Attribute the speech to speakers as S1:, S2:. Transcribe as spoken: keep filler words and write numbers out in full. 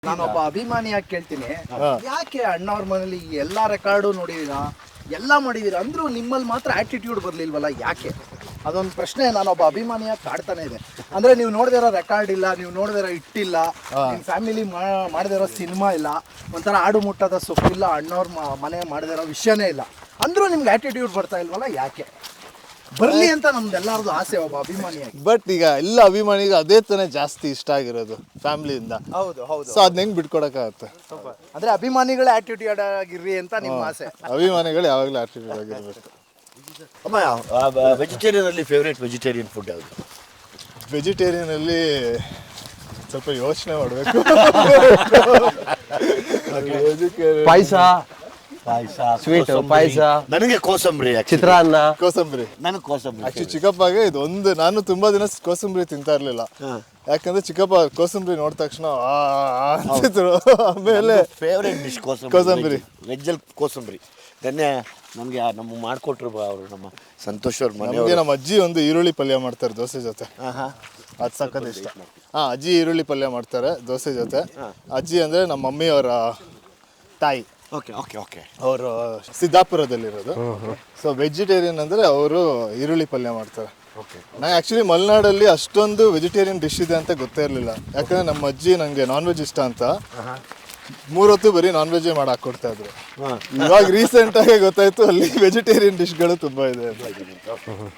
S1: ನಾನೊಬ್ಬ ಅಭಿಮಾನಿಯಾಗಿ ಕೇಳ್ತೀನಿ, ಯಾಕೆ ಅಣ್ಣವ್ರ ಮನೇಲಿ ಎಲ್ಲಾ ರೆಕಾರ್ಡು ನೋಡಿದೀರಾ, ಎಲ್ಲ ಮಾಡಿದೀರಾ ಅಂದ್ರೂ ನಿಮ್ಮಲ್ಲಿ ಮಾತ್ರ ಆಟಿಟ್ಯೂಡ್ ಬರ್ಲಿಲ್ವಲ್ಲ, ಯಾಕೆ? ಅದೊಂದು ಪ್ರಶ್ನೆ ನಾನೊಬ್ಬ ಅಭಿಮಾನಿಯಾಗಿ ಕಾಡ್ತಾನೆ ಇದೆ. ಅಂದ್ರೆ ನೀವು ನೋಡ್ದಿರೋ ರೆಕಾರ್ಡ್ ಇಲ್ಲ, ನೀವು ನೋಡ್ದಿರೋ ಇಟ್ಟಿಲ್ಲ, ನಿಮ್ಮ ಫ್ಯಾಮಿಲಿ ಮಾಡದಿರೋ ಸಿನಿಮಾ ಇಲ್ಲ, ಒಂಥರ ಆಡು ಮುಟ್ಟದ ಸೊಪ್ಪಿಲ್ಲ, ಅಣ್ಣವ್ರ ಮನೆ ಮಾಡದಿರೋ ವಿಷಯನೇ ಇಲ್ಲ, ಅಂದ್ರೂ ನಿಮ್ಗೆ ಆಟಿಟ್ಯೂಡ್ ಬರ್ತಾ ಇಲ್ವಲ್ಲ, ಯಾಕೆ? ಬರ್ಲಿ ಅಂತ ನಮ್ದೆಲ್ಲರದು ಆಸೆ ಒಬ್ಬ ಅಭಿಮಾನಿಯಾಗಿ.
S2: ಬಟ್ ಈಗ ಎಲ್ಲ ಅಭಿಮಾನಿಗೆ ಅದೇ ತಾನೇ ಜಾಸ್ತಿ ಇಷ್ಟ ಆಗಿರೋದು ಫ್ಯಾಮಿಲಿಯಿಂದ.
S1: ಹೌದು ಹೌದು.
S2: ಸೊ ಅದನ್ನ ಹೆಂಗ್ ಬಿಟ್ಕೊಡಕ್ಕಾಗತ್ತೆ?
S1: ಅಂದ್ರೆ ಅಭಿಮಾನಿಗಳೇ ಆಟಿಟ್ಯೂಡ್ ಆಗಿರ್ರಿ ಅಂತ ನಿಮ್ಮ ಆಸೆ.
S2: ಅಭಿಮಾನಿಗಳು ಯಾವಾಗಲೂ ಆಟಿಟ್ಯೂಡ್ ಆಗಿರ್ಬೇಕು.
S3: ಅಮ್ಮ, ವೆಜಿಟೇರಿಯನ್ ಅಲ್ಲಿ ಫೇವ್ರೇಟ್ ವೆಜಿಟೇರಿಯನ್ ಫುಡ್ ಯಾವುದು?
S2: ವೆಜಿಟೇರಿಯನ್ ಅಲ್ಲಿ ಸ್ವಲ್ಪ ಯೋಚನೆ ಮಾಡಬೇಕು.
S4: ಪಾಯಸ,
S3: ಪಾಯಸ,
S4: ಸ್ವೀಟ್ ಪಾಯಸ,
S3: ನನಗೆ ಕೋಸಂಬರಿ,
S4: ಚಿತ್ರಾನ್ನ,
S2: ಕೋಸಂಬರಿ.
S3: ನನಗೆ ಕೋಸಂಬರಿ.
S2: ಆಕ್ಚುಲಿ ಚಿಕ್ಕಪ್ಪಗೆ ಇದು ಒಂದು, ನಾನು ತುಂಬಾ ದಿನ ಕೋಸಂಬರಿ ತಿಂತಾ ಇರ್ಲಿಲ್ಲ. ಯಾಕಂದ್ರೆ ಚಿಕ್ಕಪ್ಪ ಕೋಸಂಬರಿ ನೋಡಿದ ತಕ್ಷಣ ಅಂತಿದ್ರು. ಆಮೇಲೆ
S3: ಫೇವ್ರೇಟ್ ಡಿಶ್ ಕೋಸಂಬರಿ.
S2: ಕೋಸಂಬರಿ
S3: ವೆಜ್ಜಲ್ಲಿ ಕೋಸಂಬರಿ. ನೆನ್ನೆ ನಮಗೆ ನಮಗೆ ಮಾಡಿಕೊಟ್ರು ಅವರು, ನಮ್ಮ ಸಂತೋಷ್ ಅವ್ರ ಮನೆ.
S2: ನಮಗೆ ನಮ್ಮ ಅಜ್ಜಿ ಒಂದು ಈರುಳ್ಳಿ ಪಲ್ಯ ಮಾಡ್ತಾರೆ ದೋಸೆ ಜೊತೆ, ಅದು ಸಖತ್ ಇಷ್ಟ. ಹಾ, ಅಜ್ಜಿ ಈರುಳ್ಳಿ ಪಲ್ಯ ಮಾಡ್ತಾರೆ ದೋಸೆ ಜೊತೆ. ಅಜ್ಜಿ ಅಂದ್ರೆ ನಮ್ಮ ಮಮ್ಮಿ ಅವರ ತಾಯಿ.
S3: ಓಕೆ ಓಕೆ ಓಕೆ
S2: ಅವರು ಸಿದ್ದಾಪುರದಲ್ಲಿರೋದು. ಸೊ ವೆಜಿಟೇರಿಯನ್ ಅಂದರೆ ಅವರು ಈರುಳ್ಳಿ ಪಲ್ಯ ಮಾಡ್ತಾರೆ. ನಂಗೆ ಆ್ಯಕ್ಚುಲಿ ಮಲೆನಾಡಲ್ಲಿ ಅಷ್ಟೊಂದು ವೆಜಿಟೇರಿಯನ್ ಡಿಶ್ ಇದೆ ಅಂತ ಗೊತ್ತೇ ಇರಲಿಲ್ಲ. ಯಾಕಂದರೆ ನಮ್ಮ ಅಜ್ಜಿ ನನಗೆ ನಾನ್ ವೆಜ್ ಇಷ್ಟ ಅಂತ ಮೂರೊತ್ತು ಬರೀ ನಾನ್ ವೆಜ್ಜೇ ಮಾಡಿ ಹಾಕ್ಕೊಡ್ತಾ ಇದ್ರು. ಇವಾಗ ರೀಸೆಂಟಾಗಿ ಗೊತ್ತಾಯ್ತು ಅಲ್ಲಿ ವೆಜಿಟೇರಿಯನ್ ಡಿಶ್ಗಳು ತುಂಬ ಇದೆ.